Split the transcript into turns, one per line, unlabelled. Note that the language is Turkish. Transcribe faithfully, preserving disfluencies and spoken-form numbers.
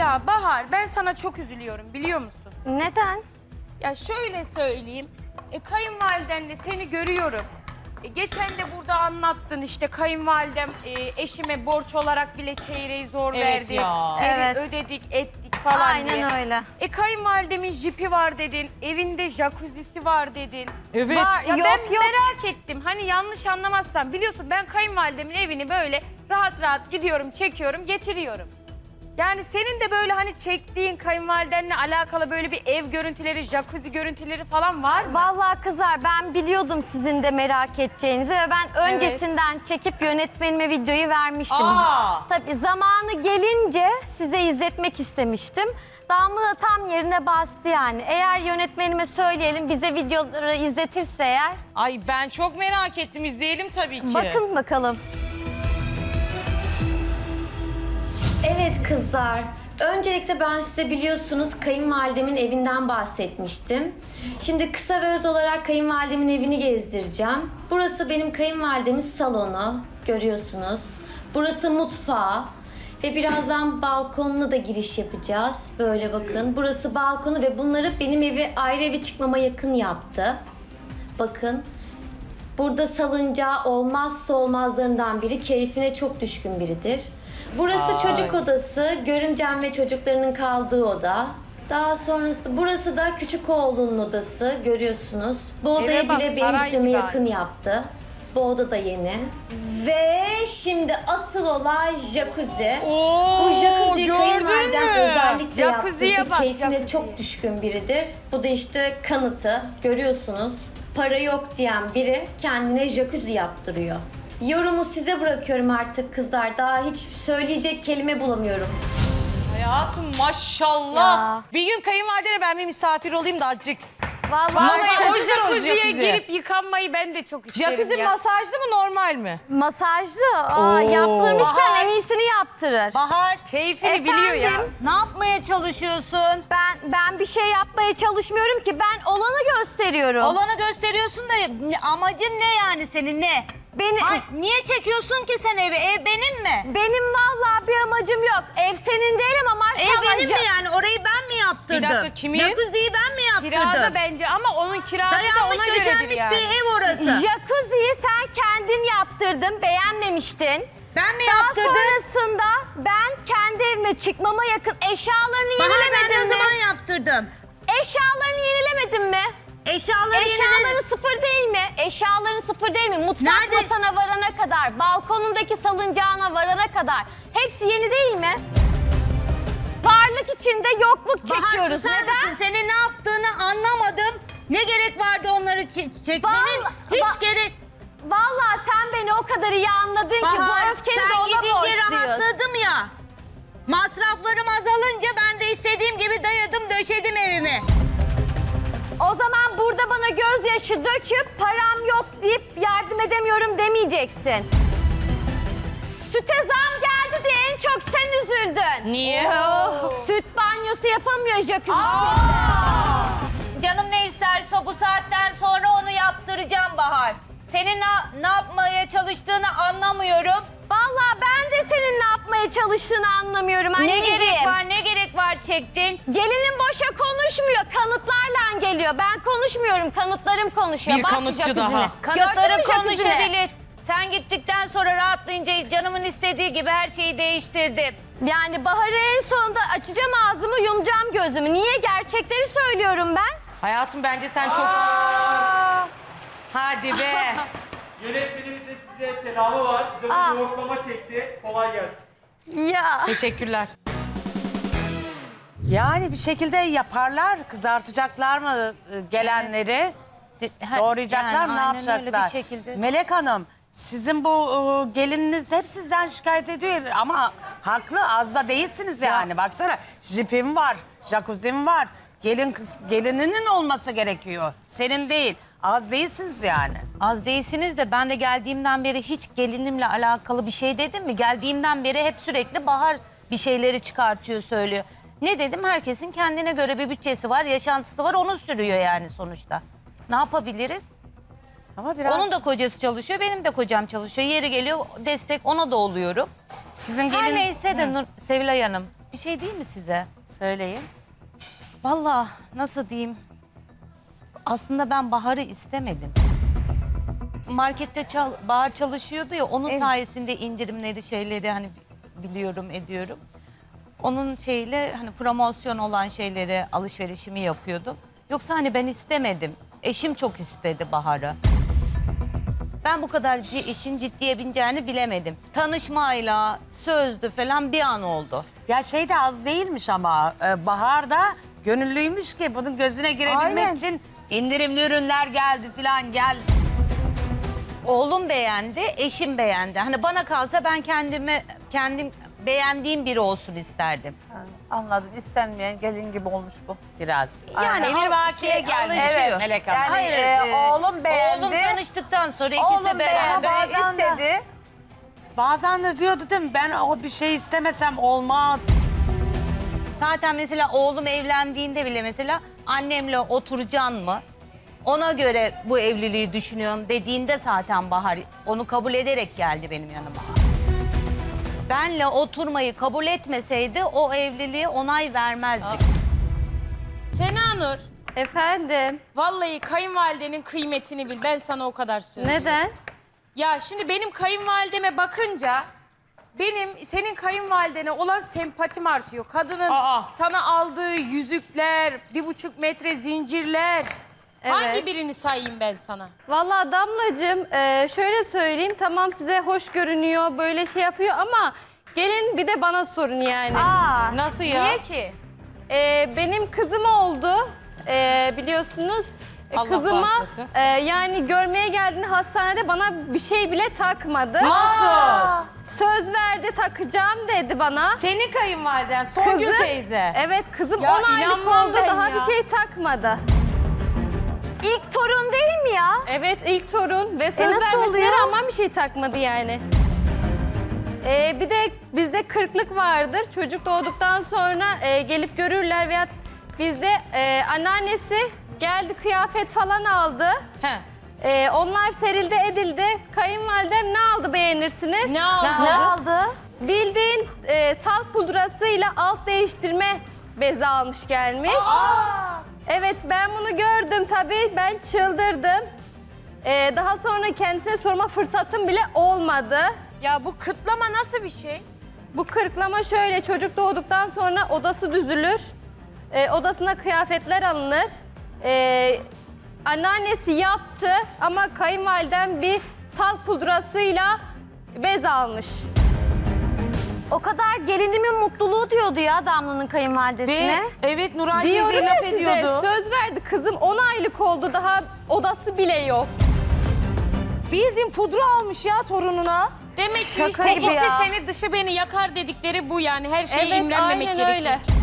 Ya Bahar, ben sana çok üzülüyorum biliyor musun?
Neden?
Ya şöyle söyleyeyim, e, kayınvalidenle seni görüyorum. E, geçen de burada anlattın işte kayınvalidem e, eşime borç olarak bile çeyreği zor
Evet
verdi.
ya.
Geri
Evet.
ödedik, ettik falan
Aynen
diye.
öyle.
E kayınvalidemin jipi var dedin, evinde jacuzzi'si var dedin.
Evet.
Var.
Ya
Yok,
ben
yok.
merak ettim. Hani yanlış anlamazsan biliyorsun ben kayınvalidemin evini böyle rahat rahat gidiyorum, çekiyorum, getiriyorum. Yani senin de böyle hani çektiğin kayınvalidenle alakalı böyle bir ev görüntüleri, jacuzzi görüntüleri falan var mı?
Vallahi kızlar ben biliyordum sizin de merak edeceğinizi ve ben öncesinden çekip yönetmenime videoyu vermiştim.
Aa!
Tabii zamanı gelince size izletmek istemiştim. Damla da tam yerine bastı yani. Eğer yönetmenime söyleyelim bize videoları izletirse eğer.
Ay ben çok merak ettim. İzleyelim tabii ki.
Bakın bakalım. Evet kızlar. Öncelikle ben size biliyorsunuz kayınvalidemin evinden bahsetmiştim. Şimdi kısa ve öz olarak kayınvalidemin evini gezdireceğim. Burası benim kayınvalidemin salonu. Görüyorsunuz. Burası mutfağı. Ve birazdan balkonuna da giriş yapacağız. Böyle bakın. Burası balkonu ve bunları benim evi ayrı eve çıkmama yakın yaptı. Bakın. Burada salıncağı olmazsa olmazlarından biri. Keyfine çok düşkün biridir. Burası
Ay.
çocuk odası. Görümcem ve çocuklarının kaldığı oda. Daha sonrasında burası da küçük oğlunun odası. Görüyorsunuz. Bu odayı
Eve bak,
bile benim
saray
gitmeme
gibi
yakın yaptı. Bu oda da yeni. Ve şimdi asıl olay jacuzzi.
Oo,
Bu jacuzziyi
gördün
kayınvalidem
mü?
özellikle
Jacuzziye
yaptırdı.
bak,
Keyfine
jacuzziye.
çok düşkün biridir. Bu da işte kanıtı. Görüyorsunuz. Para yok diyen biri kendine jacuzzi yaptırıyor. Yorumu size bırakıyorum artık kızlar. Daha hiç söyleyecek kelime bulamıyorum.
Hayatım maşallah.
Ya.
Bir gün kayınvalidene ben bir misafir olayım da azıcık.
Vallahi
Vallahi o
Masajdır o
jacuzziye
jacuzzi.
girip yıkanmayı ben de çok isterim
Jacuzzi
ya.
masajlı mı normal mi?
masajlı. Aa,
Oo.
yaptırmışken
Bahar.
en iyisini yaptırır.
Bahar,
Keyfini biliyor ya.
Efendim?
ne yapmaya çalışıyorsun?
Ben ben bir şey yapmaya çalışmıyorum ki. Ben olanı gösteriyorum.
Olanı gösteriyorsun da amacın ne yani senin ne?
Beni,
Ay, niye çekiyorsun ki sen evi? Ev benim mi?
benim vallahi bir amacım yok. Ev senin değil ama
Ev
maşallah.
benim mi yani? Orayı ben mi yaptırdım?
Bir dakika, kimin?
Jacuzziyi ben mi yaptırdım?
Kirada bence ama onun kirası da
Dayanmış
ona göredir
döşenmiş
yani.
bir ev orası.
Jacuzziyi sen kendin yaptırdın, beğenmemiştin.
Ben mi
Daha
yaptırdım?
sonrasında ben kendi evime çıkmama yakın eşyalarını
Bahar, ben
yenilemedin
ne
mi?
zaman yaptırdım?
Eşyalarını yenilemedin mi?
Eşyaları
Eşyaların
yeniledim.
sıfır değil mi? Eşyaların sıfır değil mi? Mutfak
Nerede?
masana varana kadar, balkonundaki salıncağına varana kadar. Hepsi yeni değil mi? Varlık içinde yokluk
Bahar,
çekiyoruz.
susar
Neden?
mısın? Senin ne yaptığını anlamadım. Ne gerek vardı onları çe- çekmenin?
Vallahi-
Hiç
ba-
gerek...
Vallahi sen beni o kadar iyi anladın ki
Bahar,
bu öfkeni de
sen
ona
gidince
borçluyuz.
rahatladım ya. Masraflarım azalınca ben de istediğim gibi dayadım döşedim evimi.
O zaman burada bana gözyaşı döküp param yok deyip yardım edemiyorum demeyeceksin. Süte zam geldi diye en çok sen üzüldün.
Niye?
Süt banyosu yapamıyor jacuzzi.
Canım ne isterse bu saatten sonra onu yaptıracağım Bahar. Senin ne, ne yapmaya çalıştığını anlamıyorum.
Vallahi ben de senin ne yapmaya çalıştığını anlamıyorum
Ne
anneciğim.
gerek var, ne gerek var çektin?
Gelinin boşa konuşmuyor, kanıtlarla geliyor. Ben konuşmuyorum, kanıtlarım konuşuyor.
Bir
Bak
kanıtçı
jacuzzi'ne.
daha.
Kanıtları
Gördün mü jacuzzi'ni?
konuşabilir. Sen gittikten sonra rahatlayınca canımın istediği gibi her şeyi değiştirdim.
Yani Bahar'ı en sonunda açacağım ağzımı, yumacağım gözümü. Niye? Gerçekleri söylüyorum ben.
Hayatım bence sen çok... Hadi be.
Yönetmenimizin size selamı var.
Aa.
Canım yoklama çekti. Kolay gelsin.
Ya.
Teşekkürler.
Yani bir şekilde yaparlar, kızartacaklar mı e, gelenleri, doğrayacaklar mı, ne yapacaklar? Melek Hanım, sizin bu e, gelininiz hep sizden şikayet ediyor ama haklı, az da değilsiniz yani. Baksana, jipim var, jacuzzi'm var, gelin kız, gelininin olması gerekiyor, senin değil. Az değilsiniz yani.
Az değilsiniz de ben de geldiğimden beri hiç gelinimle alakalı bir şey dedim mi? Geldiğimden beri hep sürekli Bahar bir şeyleri çıkartıyor, söylüyor. Ne dedim? Herkesin kendine göre bir bütçesi var, yaşantısı var, onu sürüyor yani sonuçta. Ne yapabiliriz?
Ama biraz
Onun da kocası çalışıyor, benim de kocam çalışıyor. Yeri geliyor, destek ona da oluyorum.
sizin
Her
gelin...
neyse de Nur, Sevilay Hanım, bir şey değil mi size?
Söyleyin.
Vallahi nasıl diyeyim? Aslında ben Bahar'ı istemedim. Markette çal, Bahar çalışıyordu ya, onun sayesinde indirimleri şeyleri hani biliyorum ediyorum. Onun şeyle hani promosyon olan şeyleri alışverişimi yapıyordum. Yoksa hani ben istemedim. Eşim çok istedi Bahar'ı. Ben bu kadar ci- işin ciddiye bineceğini bilemedim. Tanışmayla, sözdü falan bir an oldu.
Ya şey de az değilmiş ama e, Bahar da gönüllüymüş ki bunun gözüne girebilmek
Aynen.
için indirimli ürünler geldi falan gel.
Oğlum beğendi, eşim beğendi. Hani bana kalsa ben kendime kendim beğendiğim biri olsun isterdim.
Anladım. İstenmeyen gelin gibi olmuş bu.
Biraz.
Yani
Emir
al-
Vakiye
şey,
gelmiş.
alışıyor.
Melek Hanım.
Yani
Hayır,
e,
e,
oğlum beğendi.
Oğlum tanıştıktan sonra ikisi
Oğlum beğendi,
beraber
bazen de-
istedi.
Bazen de diyordu değil mi? Ben o bir şey istemesem olmaz.
Zaten mesela oğlum evlendiğinde bile mesela annemle oturacaksın mı? Ona göre bu evliliği düşünüyorum dediğinde zaten Bahar onu kabul ederek geldi benim yanıma. Benle oturmayı kabul etmeseydi o evliliğe onay vermezdik.
Sena Nur,
Efendim,
vallahi kayınvalidenin kıymetini bil. Ben sana o kadar söylüyorum.
neden?
Ya şimdi benim kayınvalideme bakınca benim senin kayınvalidene olan sempatim artıyor. Kadının
Aa.
sana aldığı yüzükler, bir buçuk metre zincirler. Hangi birini sayayım ben sana?
Vallahi Damlacığım, e, şöyle söyleyeyim, tamam size hoş görünüyor, böyle şey yapıyor ama gelin bir de bana sorun yani. Aa,
Nasıl ya?
Niye ki?
e, benim kızım oldu, e, biliyorsunuz. E,
Allah
Kızıma
bağışlasın.
e, yani görmeye geldiğinde hastanede bana bir şey bile takmadı.
Nasıl?
Söz verdi, takacağım dedi bana.
Senin kayınvaliden Songül
Kızı-
teyze.
Evet, kızım
Ya
on aylık
inanmam
oldu,
ben
daha
ya.
bir şey takmadı. İlk torun değil mi ya? Evet, ilk torun ve söz
nasıl
vermesine
oluyor?
rağmen bir şey takmadı yani. Ee, bir de bizde kırklık vardır. Çocuk doğduktan sonra e, gelip görürler veya bizde e, anneannesi geldi kıyafet falan aldı.
He.
E, onlar serildi edildi. Kayınvalidem ne aldı beğenirsiniz?
Ne aldı?
Ne
aldı?
Bildiğin e, talk pudrasıyla alt değiştirme bezi almış gelmiş. Evet, ben bunu gördüm tabii, ben çıldırdım. E, daha sonra kendisine sorma fırsatım bile olmadı.
Ya bu kıtlama nasıl bir şey?
Bu kırıklama şöyle, çocuk doğduktan sonra odası düzülür. E, odasına kıyafetler alınır. E, anneannesi yaptı ama kayınvalidem bir talk pudrasıyla bez almış.
O kadar gelinimin mutluluğu diyordu ya Damla'nın kayınvalidesine.
Ve evet Nuray
Diyorum
teyze
ya
laf
size,
ediyordu.
söz verdi. Kızım on aylık oldu, daha odası bile yok.
Bildiğin pudra almış ya torununa.
Demek ki
Şaka
işte
gibi
ikisi
ya.
seni dışı beni yakar dedikleri bu yani. Her şeye
Evet,
imrenmemek
aynen
gerekiyor.
öyle.